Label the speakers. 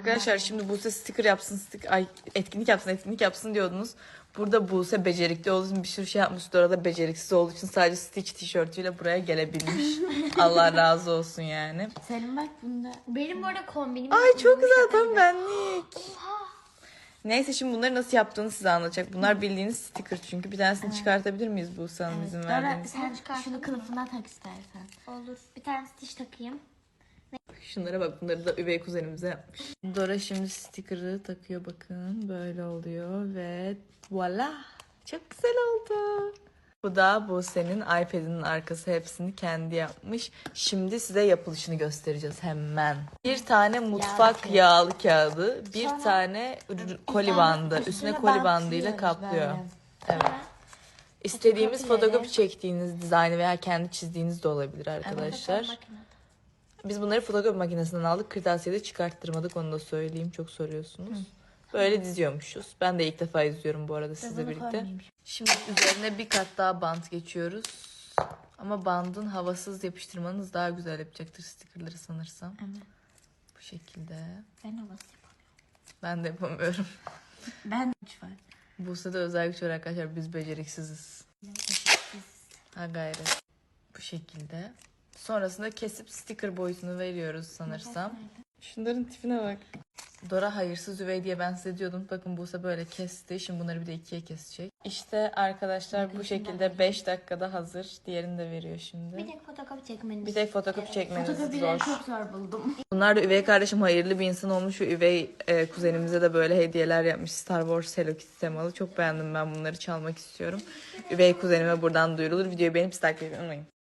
Speaker 1: Arkadaşlar şimdi Buse sticker yapsın, etkinlik yapsın diyordunuz. Burada Buse becerikli olduğu için bir sürü şey yapmış. Dora da beceriksiz olduğu için sadece Stitch tişörtüyle buraya gelebilmiş. Allah razı olsun yani.
Speaker 2: Senin bak bunda.
Speaker 3: Benim bu arada kombinim.
Speaker 1: Ay çok güzel, tam benlik. Neyse şimdi bunları nasıl yaptığını size anlatacak. Bunlar bildiğiniz sticker çünkü. Bir tanesini çıkartabilir miyiz Buse Hanım izin
Speaker 2: Dora
Speaker 1: verdiğiniz?
Speaker 2: sen şunu kılıfından tak istersen.
Speaker 3: Olur. Bir tane Stitch takayım.
Speaker 1: Şunlara bak, bunları da üvey kuzenimize yapmış. Dora şimdi sticker'ı takıyor, bakın böyle oluyor ve voila, çok güzel oldu. Bu da Buse'nin iPad'inin arkası, hepsini kendi yapmış. Şimdi size yapılışını göstereceğiz hemen. Bir tane mutfak yağlı kağıdı, bir tane koli bandı, üstüne koli bandıyla kaplıyor.
Speaker 2: Böyle.
Speaker 1: Evet. İstediğimiz
Speaker 2: Fotokopileri.
Speaker 1: fotokopi çektiğiniz dizaynı veya kendi çizdiğiniz de olabilir arkadaşlar. Biz bunları fotokopi makinesinden aldık. Kırtasiyede çıkarttırmadık, onu da söyleyeyim. Çok soruyorsunuz. Böyle diziyormuşuz. Ben de ilk defa izliyorum bu arada sizle birlikte. Şimdi üzerine bir kat daha bant geçiyoruz. Ama bandın havasız yapıştırmanız daha güzel yapacaktır stickerları sanırsam.
Speaker 2: Evet.
Speaker 1: Bu şekilde.
Speaker 2: Ben havası yapamıyorum.
Speaker 1: Ben de yapamıyorum.
Speaker 2: Ben güç var.
Speaker 1: Buse'de özel güç var arkadaşlar. Biz beceriksiziz. Ha gayret. Bu şekilde. Sonrasında kesip sticker boyutunu veriyoruz sanırsam. Şunların tipine bak. Dora hayırsız üvey diye ben size diyordum. Bakın Buse böyle kesti. Şimdi bunları bir de ikiye kesecek. İşte arkadaşlar bu şekilde 5 dakikada hazır. Diğerini de veriyor şimdi.
Speaker 3: Bir tek fotokopi çekmeniz.
Speaker 1: Bir tek fotokopi çekmeniz
Speaker 2: Fotokopileri
Speaker 1: zor.
Speaker 2: çok zor buldum.
Speaker 1: Bunlar da üvey kardeşim hayırlı bir insan olmuş. Şu üvey kuzenimize de böyle hediyeler yapmış. Star Wars Hello Kitty temalı. Çok beğendim ben bunları, çalmak istiyorum. Üvey kuzenime buradan duyurulur. Videoyu beğenip takip etmeyi unutmayın.